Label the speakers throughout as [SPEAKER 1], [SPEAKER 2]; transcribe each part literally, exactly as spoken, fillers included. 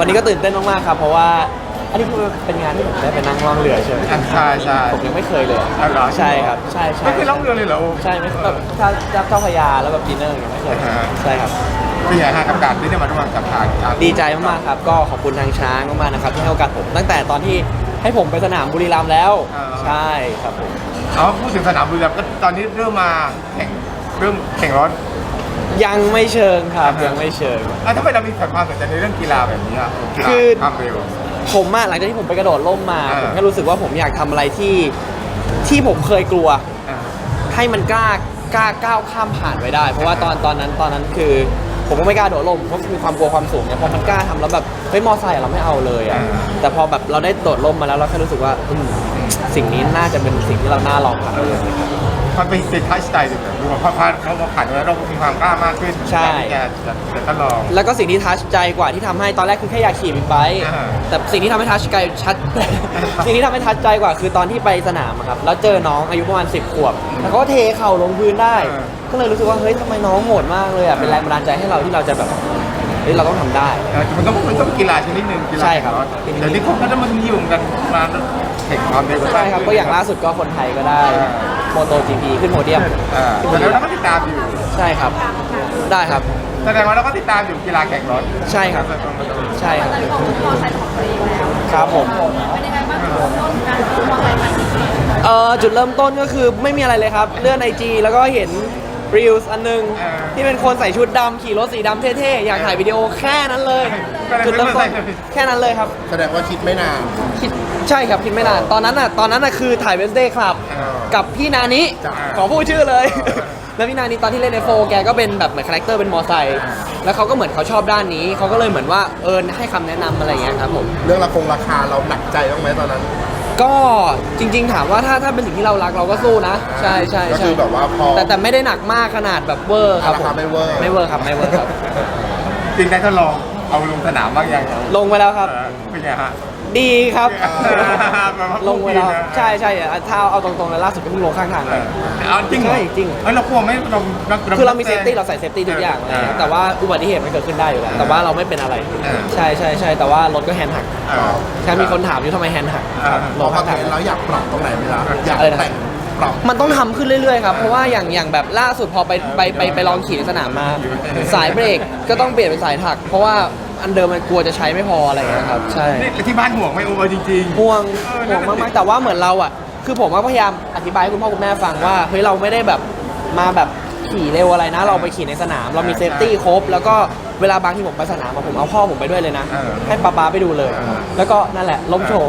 [SPEAKER 1] วันนี้ก็ตื่นเต้นมากๆครับเพราะว่าอันนี้คือเป็นงานที่ผมได้ไปนั่งล่องเรือใช่ไหม
[SPEAKER 2] ใช่ใช่
[SPEAKER 1] ผมยังไม่เคยเลย
[SPEAKER 2] อ๋อเหรอ
[SPEAKER 1] ใช่ครับใช่ใช่
[SPEAKER 2] ไม่เคยล่องเรือเลยเหรอ
[SPEAKER 1] ใช่ไม่แบบถ้าเจ้าพระยาแล้วแบบดินเนอร์อย่างเงี้ยไม่เคย
[SPEAKER 2] อ่าฮะ
[SPEAKER 1] ใช่ครับ
[SPEAKER 2] เป็นไงฮะกับการที่ได้มาร่วมกับทางการ
[SPEAKER 1] ดีใจมากๆครับก็ขอบคุณทางช้างมากๆนะครับที่ให้โอกาสผมตั้งแต่ตอนที่ให้ผมไปสนามบุรีรัมย์แล้วใช่ครับผม
[SPEAKER 2] เอาพูดถึงสนามบุรีรัมย์ก็ตอนนี้เริ่มมาแข่งเริ่มแข่งรถ
[SPEAKER 1] ยังไม่เชิงครับ
[SPEAKER 2] อ่าฮะ
[SPEAKER 1] ยังไม่เชิง
[SPEAKER 2] อ่ะทำไมเรามีความสนใจในเรื่องกีฬาแบบนี้อ่ะกีฬา
[SPEAKER 1] คือ
[SPEAKER 2] ความเร็ว
[SPEAKER 1] ผมอะหลังจากที่ผมไปกระโดดร่มมา
[SPEAKER 2] อ่า
[SPEAKER 1] ผมแค่รู้สึกว่าผมอยากทำอะไรที่ที่ผมเคยกลัว
[SPEAKER 2] อ่า
[SPEAKER 1] ให้มันกล้ากล้าก้าวข้ามผ่านไปได้ เพราะว่าตอนตอนนั้นตอนนั้นคือ ผมก็ไม่กล้าโดดร่มเพราะมีความกลัวความสูงเนี่ยพอมันกล้าทำแล้วแบบเฮ้ยมอไซค์เราไม่เอาเลยอะแต่พอแบบเราได้โดดร่มมาแล้วเราแค่รู้สึกว่าอืมสิ่งนี้น่าจะเป็นสิ่งที่เราน่าลองทำ
[SPEAKER 2] มันเป็นเป็นทัชสไตล์เลยดูว่าพอผ่านเขามาผ่านแล้วเราก็มีความกล้ามากขึ้น
[SPEAKER 1] ใช่
[SPEAKER 2] ที่จะจะจะทดลอง
[SPEAKER 1] แล้วก็สิ่งที่ทัชใจกว่าที่ทำให้ตอนแรกคือแค่อยากขี่บิ๊กไบค์
[SPEAKER 2] อ่า
[SPEAKER 1] แต่สิ่งที่ทำให้ทัชใจชัด สิ่งที่ทำให้ทัชใจกว่าคือตอนที่ไปสนามอะครับแล้วเจอน้องอายุประมาณสิบขวบแล้วเขาก็เทเข่าลงพื้นได้ ก็เลยรู้สึกว่าเฮ้ยทำไมน้องโหดมากเลยอ่ะเป็นแรงบันดาลใจให้เราที่เราจะแบบเฮ้ยเราต้องทำได้
[SPEAKER 2] เออมันต้องมันต้องกีฬาชนิดหนึ่งกีฬา
[SPEAKER 1] ใช่ครับ
[SPEAKER 2] แข่งรถเดี๋ยวนี้เขาก็จะมานิยมกันมาแข่งความเร็วกัน
[SPEAKER 1] ใช่ครับก็อย่างล่าสุดก็คนไทยก็ได้โมโต จี พี ขึ้นโพเดียม
[SPEAKER 2] อ่า
[SPEAKER 1] ขึ้นโพ
[SPEAKER 2] แล้
[SPEAKER 1] เดี
[SPEAKER 2] วย
[SPEAKER 1] ม
[SPEAKER 2] เราก็ติดตามอยู่
[SPEAKER 1] ใช่ครับได้ครับ
[SPEAKER 2] แสดงว่าเราก็ติดตามอยู่กีฬาแข่งรถ
[SPEAKER 1] ใช่ครับใช่ครับ
[SPEAKER 3] ตอนนี้ของมอไซค์ของตัวเองแล้ว
[SPEAKER 1] ครับผม
[SPEAKER 3] เป็นยังไงบ้างคะต้นการซื้อมอไซค์คันนี้
[SPEAKER 1] เอ่อจุดเริ่มต้นก็คือไม่มีอะไรเลยครับเลื่อนไอจีแล้วก็เห็นรีลส์อันหนึงที่เป็นคนใส่ชุดดำขี่รถสีดำเท่ๆอยากถ่ายวิดีโอแค่นั้นเลยจุดเริ่มต้นแค่นั้นเลยครับ
[SPEAKER 4] แสดงว่าคิดไม่นาน
[SPEAKER 1] คิดใช่ครับคิดไม่นานตอนนั้นอ่ะตอนนั้นอ่ะคือถ่ายเวนสเดย์ครับกับพี่นานิ
[SPEAKER 4] จ้ะ
[SPEAKER 1] ขอพูดชื่อเลย แล้วพี่นานิตอนที่เล่นในโฟแกก็เป็นแบบเหมือนคาแรคเตอร์เป็นมอไซค์แล้วเขาก็เหมือนเขาชอบด้านนี้เขาก็เลยเหมือนว่าเออให้คำแนะนำอะไรอย่างเงี้ยครับผม
[SPEAKER 4] เรื่องราคงราคาเราหนักใจบ้างไหมตอนนั้น
[SPEAKER 1] ก็จริง ๆ ถามว่าถ้าถ้าเป็นสิ่งที่เรารักเราก็สู้นะ ใช่ใช่
[SPEAKER 4] ก็
[SPEAKER 1] ใช่
[SPEAKER 4] คือแบบว่าพอ
[SPEAKER 1] แต่แต่ไม่ได้หนักมากขนาดแบบเวอร์ครับ
[SPEAKER 4] รา
[SPEAKER 1] ผ
[SPEAKER 4] คาม ไม่เวอร์
[SPEAKER 1] ไม่เวอร์ครับไม่เวอร์ครับ
[SPEAKER 2] จริงได้ทดลองเอาลงสนามบ้างยัง
[SPEAKER 1] ลงไปแล้วครับ
[SPEAKER 2] เออเป็นไงฮะ
[SPEAKER 1] ดีครับ
[SPEAKER 2] แบบว่า
[SPEAKER 1] ลงไปแล้ว
[SPEAKER 2] นะ
[SPEAKER 1] ใช่ใช่อ่ะถ้าเอาตรงๆเลยล่าสุดก็เพิ่งลงข้างทาง
[SPEAKER 2] เอ
[SPEAKER 1] ไป
[SPEAKER 2] อเอาจริงเหรอ
[SPEAKER 1] ใช่จริง
[SPEAKER 2] เฮ้ยเรากลัวไหมเรา
[SPEAKER 1] คือเรามีเซฟตี้เราใส่เซฟตี้ทุกอย่างเลยครับแต่ว่าอุบัติเหตุมันเกิดขึ้นได้อยู่แล้วแต่ว่าเราไม่เป็นอะไร
[SPEAKER 2] เออ
[SPEAKER 1] ใช่ใช่ใช่แต่ว่ารถก็แฮนด์หัก
[SPEAKER 2] เออ
[SPEAKER 1] แค่มีคนถามอยู่ทำไมแฮนด์หัก
[SPEAKER 2] อ่า
[SPEAKER 1] ล
[SPEAKER 4] พอง มา
[SPEAKER 1] ข้างทาง
[SPEAKER 4] เห็นแล้วอยากปรับตรงไหนไหมล่ะอยาก
[SPEAKER 1] อะไรนะ
[SPEAKER 4] แต่งปรับ
[SPEAKER 1] มันต้องทำขึ้นเรื่อยๆครับ เพราะว่าอย่างอย่างแบบล่าสุดพอไปไปไปไปลองขี่ในสนามมา สายเบรกก็ต้องเปลี่ยนเป็นสายถัก เพราะว่าอันเดิมมันกลัวจะใช้ไม่พออะไรอย่างเงี้ยครับ ใช่
[SPEAKER 2] นี่ที่บ้านห่วงไหมโอ้จริงๆ
[SPEAKER 1] ห่วง
[SPEAKER 2] เออ
[SPEAKER 1] ห่วงมากๆแต่ว่าเหมือนเราอ่ะ คือผมก็พยายามอธิบายให้คุณพ่อคุณแม่ฟังว่าเฮ้ยเราไม่ได้แบบมาแบบขี่เร็วอะไรนะ เราไปขี่ในสนาม เรามีเซฟตี้ครบ แล้วก็เวลาบางที่ผมไปสนามอะผมเอาพ่อผมไปด้วยเลยนะ
[SPEAKER 2] เออ
[SPEAKER 1] ให้ป๊าป๊าไปดูเลย
[SPEAKER 2] เออ
[SPEAKER 1] แล้วก็นั่นแหละล้มโชว์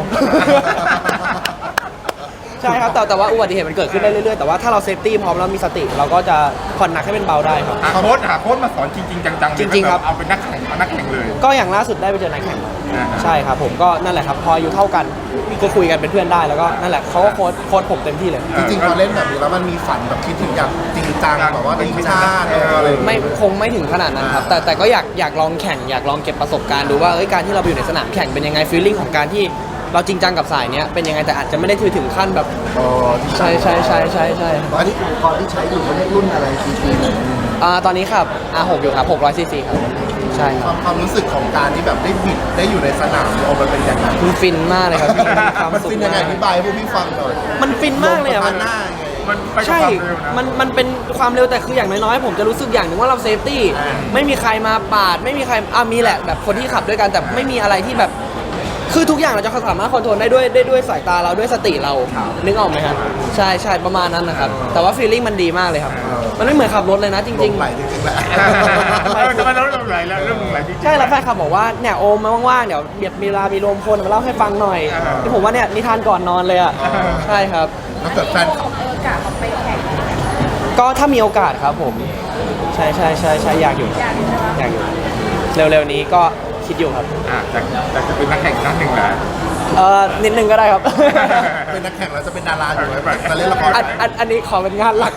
[SPEAKER 1] ใช่ครับแต่แต่ว่าอุบัติเหตุมันเกิดขึ้นได้เรื่อยๆ แต่ว่าถ้าเราเซฟตี้พร้อมแล้วมีสติ เราก็จะผ่อนหนักให้เป็นเบาได้ครับ
[SPEAKER 2] หาโค้ชหาโค้ชมาสอนจริงๆจังๆเลย
[SPEAKER 1] จริงๆครับ
[SPEAKER 2] เอาเป็นนักแข่งเอานักแข่งเลย
[SPEAKER 1] ก็อย่างล่าสุดได้ไปเจอนักแข่งมา
[SPEAKER 2] อ่า
[SPEAKER 1] ใช่ครับผมก็นั่นแหละครับพออายุเท่ากันก็คุยกันเป็นเพื่อนได้แล้วก็นั่นแหละเขาก็โค้ชโค้ชผมเต็มที่เลย
[SPEAKER 4] จริงๆพอเล่นแบบนี้แล้วมันมีฝันแบบคิดถึงอยากจริงจังแบบว่าทีมชาติเอออะไรอย่างเงี้ย
[SPEAKER 1] ไม่คงไม่ถึงขนาดนั้นครับแต่แต่ก็อยากอยากลองแข่งอยากลองเก็บประสบการณ์ดูว่าเอ้ยการที่เราไปอยู่ในสนามแข่งเป็นยังไงฟีลลิ่งของการที่เราจริงจังกับสายเนี้ยเป็นยังไงแต่อาจจะไม่ได้ถือถึงขั้นแบบ
[SPEAKER 4] อ๋อที่
[SPEAKER 1] ใช่ใช่ใช่ใช่ใช่
[SPEAKER 4] ตอนนี้อุปกรณ์ที่ใช้อยู่เขาเรียกรุ่นอะไรกี่ปีเนี่ย
[SPEAKER 1] อ่าตอนนี้ครับ อาร์ หก อยู่ครับหกร้อยซีซีครับใช่ค
[SPEAKER 4] ครับ วามความรู้สึกของการที่แบบได้บิดได้อยู่ในสนามโอมันเป็นยังไง
[SPEAKER 1] มันฟินมากเลยครับพี่มีความ
[SPEAKER 4] มัน
[SPEAKER 1] สุข
[SPEAKER 4] เป็นยังไง
[SPEAKER 1] มา
[SPEAKER 4] อก ธิบายให้พวกพี่ฟังหน่อย
[SPEAKER 1] มันฟินมากเลยอ่ะ
[SPEAKER 4] ล
[SPEAKER 1] มั
[SPEAKER 4] ง
[SPEAKER 1] น
[SPEAKER 4] สะพานหน้าไง
[SPEAKER 2] มันไปกับ
[SPEAKER 1] ใช่
[SPEAKER 2] ความเร็วนะ
[SPEAKER 1] มัน มันเป็นความเร็วแต่คืออย่างน้อยๆ ผมจะรู้สึกอย่างหนึ่งว่าเราเซฟตี้
[SPEAKER 4] อ่า
[SPEAKER 1] ไม่มีใครมาปาด ไม่มีใครอ่ะมีแหละแบบคนที่ขับด้วยกัน แต่ไม่มีอะไรที่แบบ คือทุกอย่างเราจะสามารถคอนโทรลได้ด้วยได้ด้วยสายตาเราด้วยสติเรา นึกออกไหมครับ ใช่ใช่ประมาณนั้นนะครับ แต่ว่าฟีลลิ่งมันดีมากเลยครับ มันไม่เหมือนขับรถเลยนะจ
[SPEAKER 4] ล
[SPEAKER 1] ริง
[SPEAKER 4] งไหลจริงๆแหละ
[SPEAKER 2] เออทำไมเราเริ่มไหลแล้วเริ่มไหลจริง
[SPEAKER 1] ๆ ใช่แล้วแฟนคลับบอกว่าเนี่ยโอมมาว่างๆ เดี๋ยวเบียดมีเวลามีรวมพลมาเล่าให้ฟังหน่อย
[SPEAKER 2] อ่า
[SPEAKER 1] ที่ผมว่าเนี่ยนิทานก่อนนอนเลยอ่ะ ใช่ครับ
[SPEAKER 4] ถ้าเกิดแฟนคลับ
[SPEAKER 3] เออกะเขาไปแข่ง
[SPEAKER 1] ก็ถ้ามีโอกาสครับผม ใช่ใช่ใช่ใช่อยากอยู่
[SPEAKER 3] อย่างนี้ใช่ไหม
[SPEAKER 1] อยากอยู่ เร็วๆนี้ก็คิดอยู่ครับ
[SPEAKER 2] อ่ะจากจากจะเป็นนักแข่งนักหนึ่งเหรอ
[SPEAKER 1] เออนิดนึงก็ได้ครับ
[SPEAKER 4] เป็นนักแข่งแล้วจะเป็นดาราอยู่ไหมจะเล่นละคร
[SPEAKER 1] อันอันอันนี้ขอเป็นงานหลัก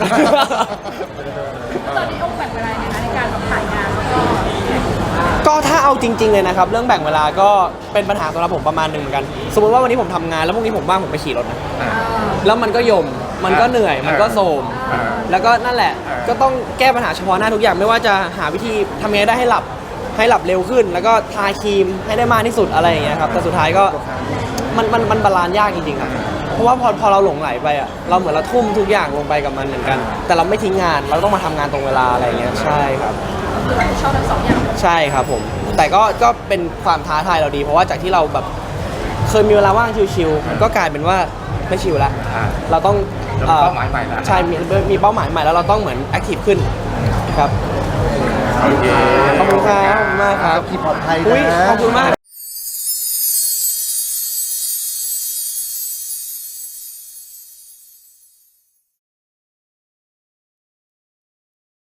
[SPEAKER 3] ตอนนี้โอ้แบ่งเวลายังไงคะในการแบบถ่ายงานแล้วก็แข่ง
[SPEAKER 1] ก็ถ้าเอาจริง ๆเลยนะครับ เรื่องแบ่งเวลาก็เป็นปัญหาสำหรับผมประมาณหนึ่งเหมือนกัน สมมติว่าวันนี้ผมทำงานแล้วพรุ่งนี้ผมว่างผมไปขี่รถนะ
[SPEAKER 2] อ่า
[SPEAKER 1] แล้วมันก็ยม มันก็เหนื่อย มันก็โทรม
[SPEAKER 2] อ่า
[SPEAKER 1] แล้วก็นั่นแหละ
[SPEAKER 2] อ่า
[SPEAKER 1] ก็ต้องแก้ปัญหาเฉพาะหน้าทุกอย่าง ไม่ว่าจะหาวิธีทำยังไงได้ให้หลับให้หลับเร็วขึ้น แล้วก็ทาครีมให้ได้มากที่สุดอะไรอย่างเงี้ยครับแต่สุดท้ายก็มันมันมันบาลานซ์ยากจริงๆครับเพราะว่าพอพอเราหลงไหลไปอ่ะเราเหมือนเราทุ่มทุกอย่างลงไปกับมันเหมือนกัน แต่เราไม่ทิ้งงานเราต้องมาทำงานตรงเวลาอะไรอย่างเงี้ยใช่ครับ
[SPEAKER 3] คือเราชอบทั้งสองอย่าง
[SPEAKER 1] ใช่ครับผม แต่ก็ก็เป็นความท้าทายเราดี เพราะว่าจากที่เราแบบเคยมีเวลาว่างชิวๆมันก็กลายเป็นว่าไม่ชิวละ
[SPEAKER 2] อ่า
[SPEAKER 1] เราต้อง
[SPEAKER 2] เรามีเป้าหมายใหม่ละ
[SPEAKER 1] ใช่มีมีเป้าหมายใหม่แล้วเราต้องเหมือนแอคทีฟขึ้นครับ
[SPEAKER 2] โอเค
[SPEAKER 1] ขอบคุณครับขอบคุณมากครับ
[SPEAKER 4] ขี่ปลอดภัย
[SPEAKER 1] อุ้ย
[SPEAKER 4] นะ
[SPEAKER 1] ขอบคุณมาก